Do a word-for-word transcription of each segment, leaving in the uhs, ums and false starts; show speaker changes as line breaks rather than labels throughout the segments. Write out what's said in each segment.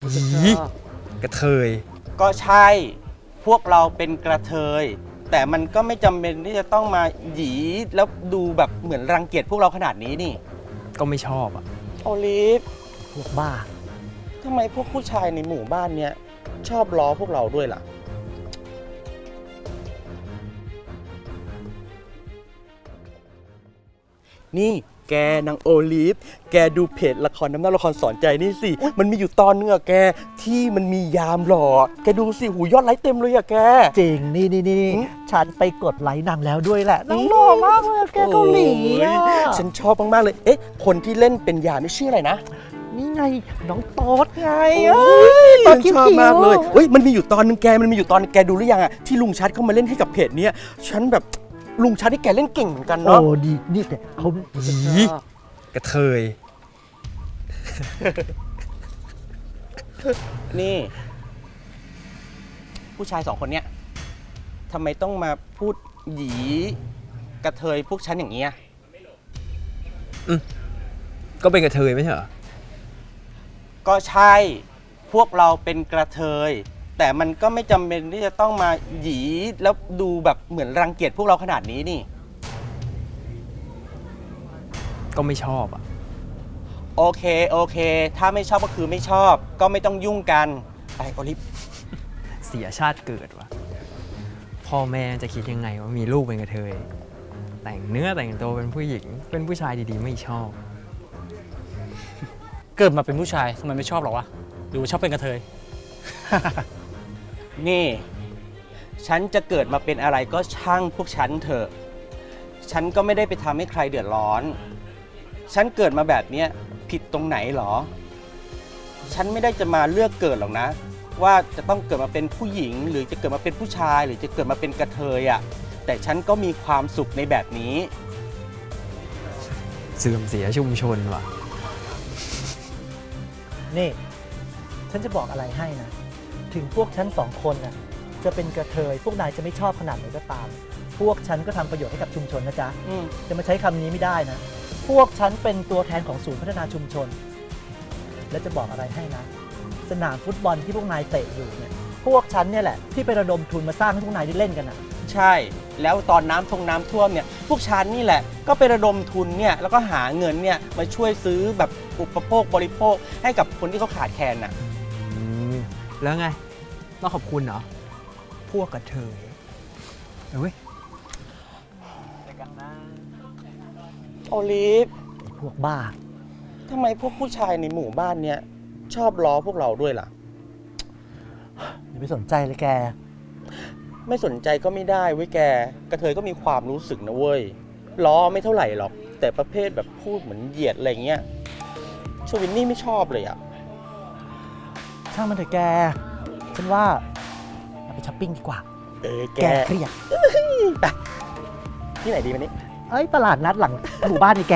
ยีกระเทย
ก็ใช่พวกเราเป็นกระเทยแต่มันก็ไม่จำเป็นที่จะต้องมาหยีแล้วดูแบบเหมือนรังเกียจพวกเราขนาดนี้นี่
ก็ไม่ชอบอ่ะ
โอลิฟ
พวกบ้า
ทำไมพวกผู้ชายในหมู่บ้านเนี้ยชอบล้อพวกเราด้วยล่ะนี่แกนางโอลิฟแกดูเพจละครน้ำเน่าละครสอนใจนี่สิมันมีอยู่ตอนนึงอะแกที่มันมียามหล่อแกดูสิหูยอดไลค์เต็มเลยอะแก
จริงนี่นี่นี่ฉันไปกดไลค์นางแล้วด้วยแหละนางหล่อมากเลยแกเกาหลีอะ
ฉันชอบมากๆเลยเอ๊ะคนที่เล่นเป็นยามนี่ชื่ออะไรนะ
นี่ไงน้องโต๊ดไง
ตอนชอบมากเลยเฮ้ยมันมีอยู่ตอนนึงแกมันมีอยู่ตอนแกดูหรือยังอะที่ลุงชัดเข้ามาเล่นให้กับเพจเนี้ยฉันแบบลุงชัดที่แกเล่นเก่งเหมือนกันเนาะ
โอ้ดีนี่แต่เขา
ยีกระเทย
นี่ผู้ชายสองคนเนี้ยทำไมต้องมาพูดหยีกระเทยพวกฉันอย่างเงี้ย
อืมก็เป็นกระเทยไม่ใช่เหรอ
ก็ใช่พวกเราเป็นกระเทยแต่มันก็ไม่จำเป็นที่จะต้องมาหยีแล้วดูแบบเหมือนรังเกียจพวกเราขนาดนี้นี่
ก็ไม่ชอบอ่ะ
โอเคโอเคถ้าไม่ชอบก็คือไม่ชอบก็ไม่ต้องยุ่งกันไปโอลิฟ
เสียชาติเกิดว่ะพ่อแม่จะคิดยังไงว่ามีลูกเป็นกระเทยแต่งเนื้อแต่งตัวเป็นผู้หญิงเป็นผู้ชายดีๆไม่ชอบ
เกิดมาเป็นผู้ชายทำไมไม่ชอบหรอวะหรือว่าชอบเป็นกระเทย
นี่ฉันจะเกิดมาเป็นอะไรก็ช่างพวกฉันเถอะฉันก็ไม่ได้ไปทำให้ใครเดือดร้อนฉันเกิดมาแบบนี้ผิดตรงไหนหรอฉันไม่ได้จะมาเลือกเกิดหรอกนะว่าจะต้องเกิดมาเป็นผู้หญิงหรือจะเกิดมาเป็นผู้ชายหรือจะเกิดมาเป็นกระเทยอ่ะแต่ฉันก็มีความสุขในแบบนี้
เสื่อมเสียชุมชนว่ะ
นี่ฉันจะบอกอะไรให้นะถึงพวกฉันสองคนน่ะจะเป็นกระเทยพวกนายจะไม่ชอบขนาดไหนก็ตามพวกฉันก็ทำประโยชน์ให้กับชุมชนนะจ๊ะจะมาใช้คำนี้ไม่ได้นะพวกฉันเป็นตัวแทนของศูนย์พัฒนาชุมชนและจะบอกอะไรให้นะสนามฟุตบอลที่พวกนายเตะอยู่เนี่ยพวกฉันเนี่ยแหละที่ไประดมทุนมาสร้างให้พวกนายได้เล่นกันนะ
ใช่แล้วตอนน้ำทงน้ำท่วมเนี่ยพวกฉันนี่แหละก็ไประดมทุนเนี่ยแล้วก็หาเงินเนี่ยมาช่วยซื้อแบบอุปโภคบริโภคให้กับคนที่เขาขาดแคลนน่ะ
แล้วไงต้องขอบคุณเหรอพวกกระเทยเฮ้ย
โอลิฟ
พวกบ้า
ทำไมพวกผู้ชายในหมู่บ้านเนี้ยชอบล้อพวกเราด้วยล่ะ
อย่าไปสนใจเลยแก
ไม่สนใจก็ไม่ได้เว้ยแกกระเทยก็มีความรู้สึกนะเว้ยล้อไม่เท่าไหร่หรอกแต่ประเภทแบบพูดเหมือนเหยียดอะไรเงี้ยชวินนี่ไม่ชอบเลยอ่ะ
ช่างมันเถอะแกฉันว่าเราไปช้อปปิ้งดีกว่า
เออแก
เครียด
ไปที่ไหนดีวันนี้
เอ้ยตลาดนัดหลังหมู่บ้านนี่แก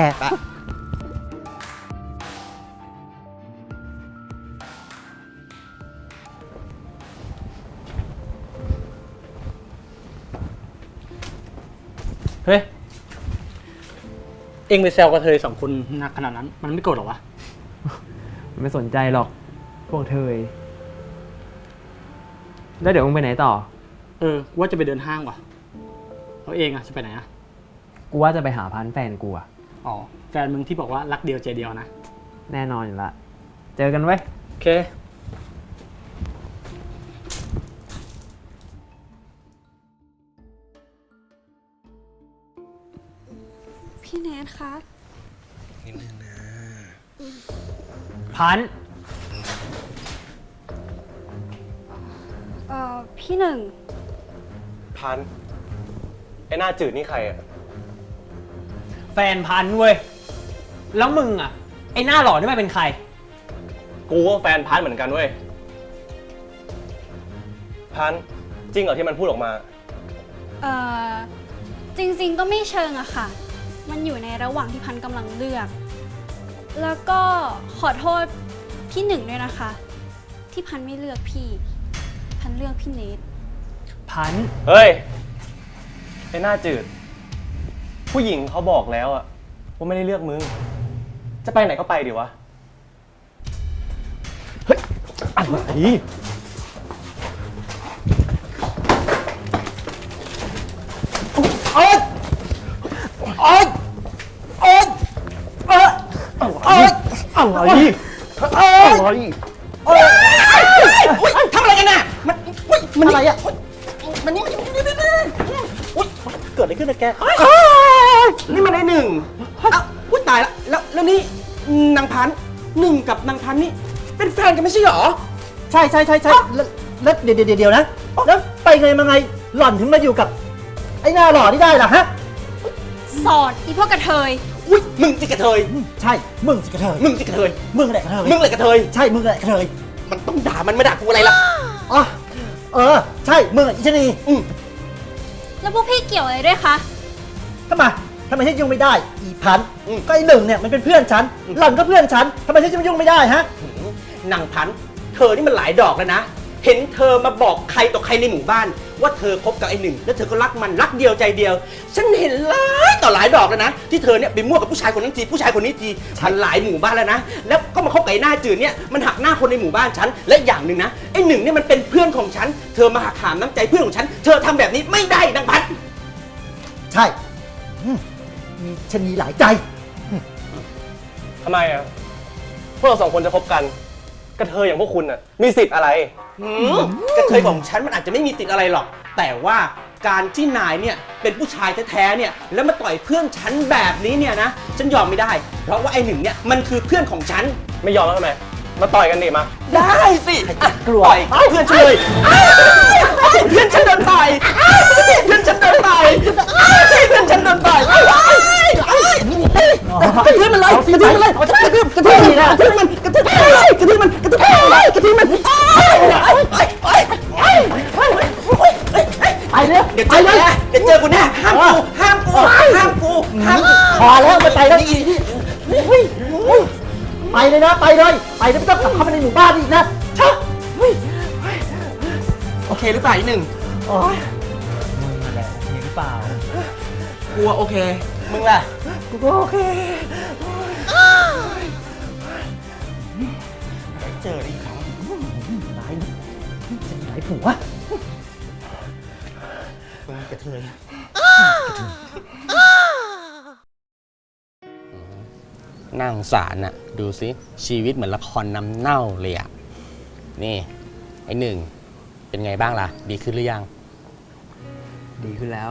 เฮ้ยเอ็งไปแซวกระเทยสองคนหนักขนาดนั้นมันไม่โกรธหรอวะ
ไม่สนใจหรอกพวกเธอแล้วเดี๋ยวมึงไปไหนต่อ
เออกูว่าจะไปเดินห้างว่ะแล้วเองอะจะไปไหนอะ
กูว่าจะไปหาพันแฟนกูอะ
อ๋อแฟนมึงที่บอกว่ารักเดียวใจเดียวนะ
แน่นอนอยู่ละเจอกันไว้
โอเค
พี่แนทคะ
นิดนึงนะ
พัน
เอ่อพี่หนึ่ง
พันไอ้หน้าจืดนี่ใครอะ
แฟนพันเว้ยแล้วมึงอะไอ้หน้าหล่อนี่ไม่เป็นใคร
กูก็แฟนพันเหมือนกันเว้ยพันจริงเหรอที่มันพูดออกมา
เอ่อจริงๆก็ไม่เชิงอะค่ะมันอยู่ในระหว่างที่พันกำลังเลือกแล้วก็ขอโทษพี่หนึ่งด้วยนะคะที่พันไม่เลือกพี่พันเลือกพี่เนท
พัน
เฮ้ยไอ้หน้าจืดผู้หญิงเขาบอกแล้วอะว่าไม่ได้เลือกมึงจะไปไหนก็ไปดิวะเฮ้ยอะไร
โอ๊ยโอ๊ยโอ๊ยโอ๊ยโอ๊ยอะไรอะไรโอ๊ย
อุ๊ยทำอะไรกันน่ะ มันอุ๊ยมัน
อะไรอ่ะ
มันนี่มันอุ๊ย
เกิดอะไรขึ้นนะแก
นี่มันไอ้หนึ่งอ้าวอุ๊ยตายละแล้วแล้วนี่นางพันธุ์หนึ่งกับนางพันธุ์นี่เป็นแฟนกันไม่ใช่เหรอ
ใช่ใช่ใช่ใช่แล้วแล้วเดี๋ยวเดี๋ยวเดี๋ยวนะ แล้วไปไงมาไงหล่อนถึงมาอยู่กับ ไอ้หน้าหล่อนี่ได้ล่ะฮะ
สอดอีพวกกระเทย
อุ๊ยมึงจิกกระเทย
ใช่ มึงสิกระเทย
มึงจิกกระเทย
มึงแหละกระเทย
มึงเลยกระเทย
ใช่ มึงแหละกระเทย
มันต้องด่ามันมาด่ากูอะไรล่ะ
อ๋อเออ ใช่ มึงอ่ะอิชนี
อืม
แล้วพวกพี่เกี่ยวอะไรด้วยคะ
ทำไมทำไมฉันยุ่งไม่ได้ อีพันธุ์ก็ไอ้หนึ่งเนี่ยมันเป็นเพื่อนฉัน หล่อนก็เพื่อนฉันทำไมฉันจะไม่ยุ่งไม่ได้ฮะ
นางพันธุ์เธอนี่มันหลายดอกแล้วนะ เห็นเธอมาบอกใครต่อใครในหมู่บ้าน ว่าเธอคบกับไอ้หนึ่งแล้วเธอก็รักมันรักเดียวใจเดียว ฉันเห็นหลายต่อหลายดอกแล้วนะ ที่เธอเนี่ยไปมั่วกับผู้ชายคนนั้นทีผู้ชายคนนี้ทีฉันหลายหมู่บ้านแล้วนะ แล้วก็มาคบกับไอ้หน้าจืดเนี่ยมันหักหน้าคนในหมู่บ้านฉันและอย่างหนึ่งนะไอ้หนึ่งเนี่ยมันเป็นเพื่อนของฉันเธอมาหักหามน้ำใจเพื่อนของฉันเธอทำแบบนี้ไม่ได้นางพันธุ์
ใช่อืมมีชะนีหลายใจ
ทำไมอ่ะ พวกเราสองคนจะคบกัน กระเทยอย่างพวกคุณอ่ะ มีสิทธิ์อะไร
หืมกระเทยของฉันมันอาจจะไม่มีติดอะไรหรอก แต่ว่าการที่นายเนี่ยเป็นผู้ชายแท้ๆเนี่ยแล้วมาต่อยเพื่อนฉันแบบนี้เนี่ยนะฉันยอมไม่ได้ เพราะว่าไอ้หนึ่งเนี่ยมันคือเพื่อนของฉัน
ไม่ยอมแล้วทำไม มาต่อยกันดิมา
ได้สิอ่ะ
กลัว
ต่อยเพื่อนฉันเลยเพื่อนฉันโดนต่อยเพื่อนฉันโดนต่อยเพื่อนฉันโดนต่อยกระทืบมันเลยกระทืบมันเลยกระทืบกระทืบมันกระทืบมันกระทืบมันกระทืบมันกระทืบมันกระทืบมันไปเลยเดี๋ยวเจอกูแน่เดี๋ยวเจอกูแน่ห้ามกูห้ามกูห้ามกูห้ามกู
พอแล้วไม่ไปแล้วอีนี่อุ้ยอุ้ยไปเลยนะ ไปเลย ไปแล้วไม่ต้องกลับเข้ามาในหมู่บ้านอีกนะชะอุ้ย
โอเคหรือเปล่าอีกหนึ่ง
โอ๊ย
มึงนั่นแหละมีหรือเปล่า
กลัวโอเคมึงล่ะ
กูก็โอเค
เจออีกครั้ง
นายจะมีหลายผัว
มึงกระเทยน่าสงสารน่ะดูสิชีวิตเหมือนละครน้ำเน่าเลยอ่ะนี่ไอ้หนึ่งเป็นไงบ้างล่ะ ดีขึ้นหรือยัง
ดีขึ้นแล้ว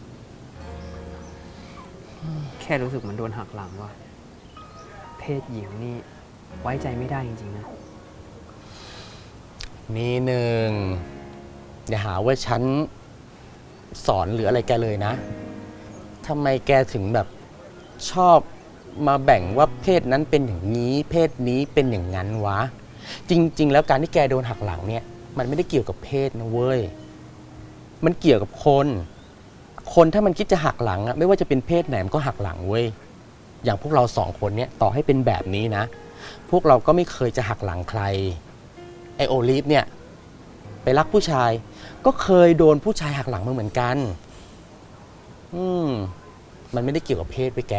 แค่รู้สึกเหมือนโดนหักหลังว่ะ เพศหญิงนี่ไว้ใจไม่ได้จริงๆนะ
นี่หนึ่งอย่าหาว่าฉันสอนหรืออะไรแกเลยนะทำไมแกถึงแบบชอบมาแบ่งว่าเพศนั้นเป็นอย่างนี้ เพศนี้เป็นอย่างนั้นวะ จริง ๆ แล้วการที่แกโดนหักหลังเนี่ยมันไม่ได้เกี่ยวกับเพศนะเว้ยมันเกี่ยวกับคน คนถ้ามันคิดจะหักหลังอะไม่ว่าจะเป็นเพศไหนมันก็หักหลังเว้ยอย่างพวกเราสองคนเนี่ยต่อให้เป็นแบบนี้นะ พวกเราก็ไม่เคยจะหักหลังใครไอโอลิฟเนี่ยไปรักผู้ชายก็เคยโดนผู้ชายหักหลังมาเหมือนกันอืมมันไม่ได้เกี่ยวกับเพศไปแก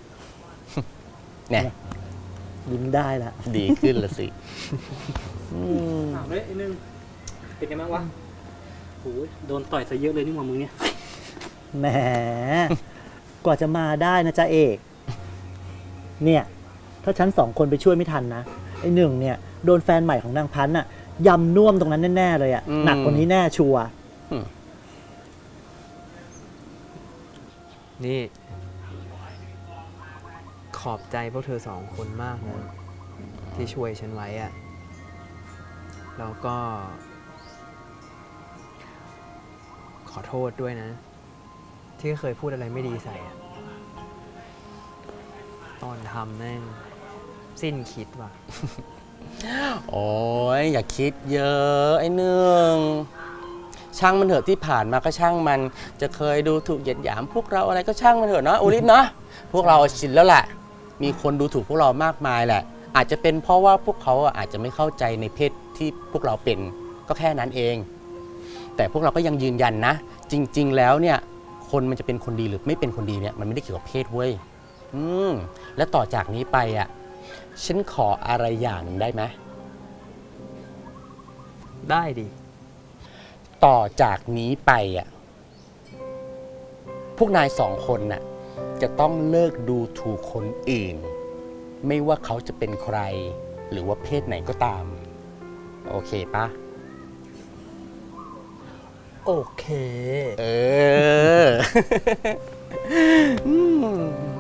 เนี่ย
ยิ้มได้ละ
ดีขึ้นละสิอืม
ถามเลยไอ้นึงเป็นไงบ้างวะโอ้ยโดนต่อยซะเยอะเลยนี่หว่ามึงเนี่ย
แหม กว่าจะมาได้นะจ๊ะเอก เนี่ย ถ้าฉันสองคนไปช่วยไม่ทันนะ ไอ้หนึ่งเนี่ย โดนแฟนใหม่ของนางพันธ์น่ะยำน่วมตรงนั้นแน่ ๆ เลยอะ
อืม
หนักกว่านี้แน่ชัวร์
นี่ ขอบใจพวกเธอสองคนมากนะที่ช่วยฉันไว้อะแล้วก็ ขอโทษด้วยนะ ที่เคยพูดอะไรไม่ดีใส่อะตอนทำแม่งสิ้นคิดว่ะ
โอ้ยอย่าคิดเยอะไอ้หนึ่งช่างมันเถอะที่ผ่านมาก็ช่างมันจะเคยดูถูกเหยียดหยามพวกเราอะไรก็ช่างมันเถอะเนาะโอลิฟเนาะพวกเราชินแล้วแหละมีคนดูถูกพวกเรามากมายแหละ อาจจะเป็นเพราะว่าพวกเขาอาจจะไม่เข้าใจในเพศที่พวกเราเป็นก็แค่นั้นเอง แต่พวกเราก็ยังยืนยันนะ จริง ๆ แล้วเนี่ยคนมันจะเป็นคนดีหรือไม่เป็นคนดีเนี่ยมันไม่ได้เกี่ยวกับเพศเว้ยอืมและต่อจากนี้ไปอ่ะฉันขออะไรอย่างหนึ่งได้ไหม
ได้ดิ
ต่อจากนี้ไปอ่ะ พวกนายสองคนน่ะ จะต้องเลิกดูถูกคนอื่น ไม่ว่าเขาจะเป็นใคร หรือว่าเพศไหนก็ตาม โอเคปะ
โอเค
เออ อืม